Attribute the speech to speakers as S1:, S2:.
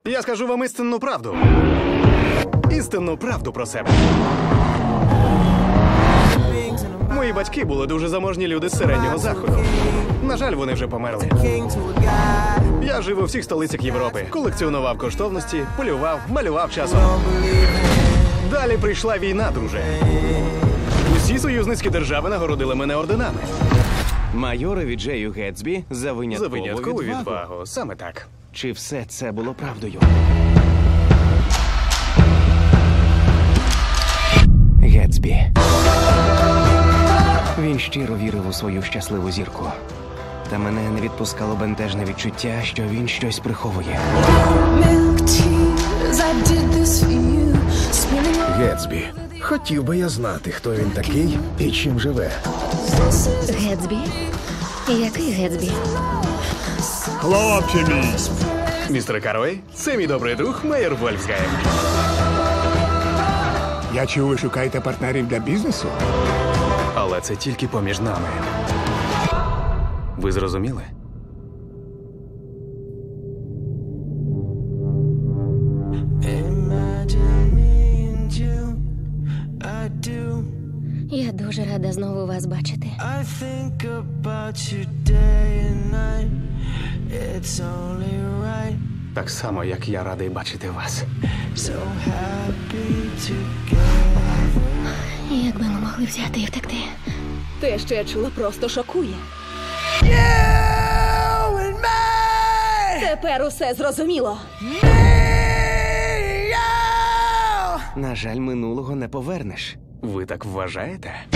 S1: Я скажу вам істинну правду. Істинну правду про себе. Мої батьки були дуже заможні люди з середнього заходу. На жаль, вони вже померли. Я жив у всіх столицях Європи. Колекціонував коштовності, полював, малював часом. Далі прийшла війна, друже. Усі союзницькі держави нагородили мене орденами.
S2: Майорові Джею Гетсбі за виняткову відвагу.
S1: відвагу. Саме так.
S2: Чи все це було правдою? Гетсбі. Він щиро вірив у свою щасливу зірку. Та мене не відпускало бентежне відчуття, що він щось приховує.
S3: Гетсбі. Хотів би я знати, хто він такий і чим живе.
S4: Гетсбі? Який Гетсбі?
S3: Хлопче мій!
S1: Містер Карвей, це мій добрий друг Мейер Вольфсгайм.
S3: Я чув, ви шукаєте партнерів для бізнесу?
S1: Але це тільки поміж нами. Ви зрозуміли?
S4: Я дуже рада знову вас бачити.
S1: Так само, як я радий бачити вас.
S4: Як би ми могли взяти і втекти?
S5: Те, що я чула, просто шокує. Тепер усе зрозуміло.
S2: На жаль, минулого не повернеш.
S1: Ви так вважаєте?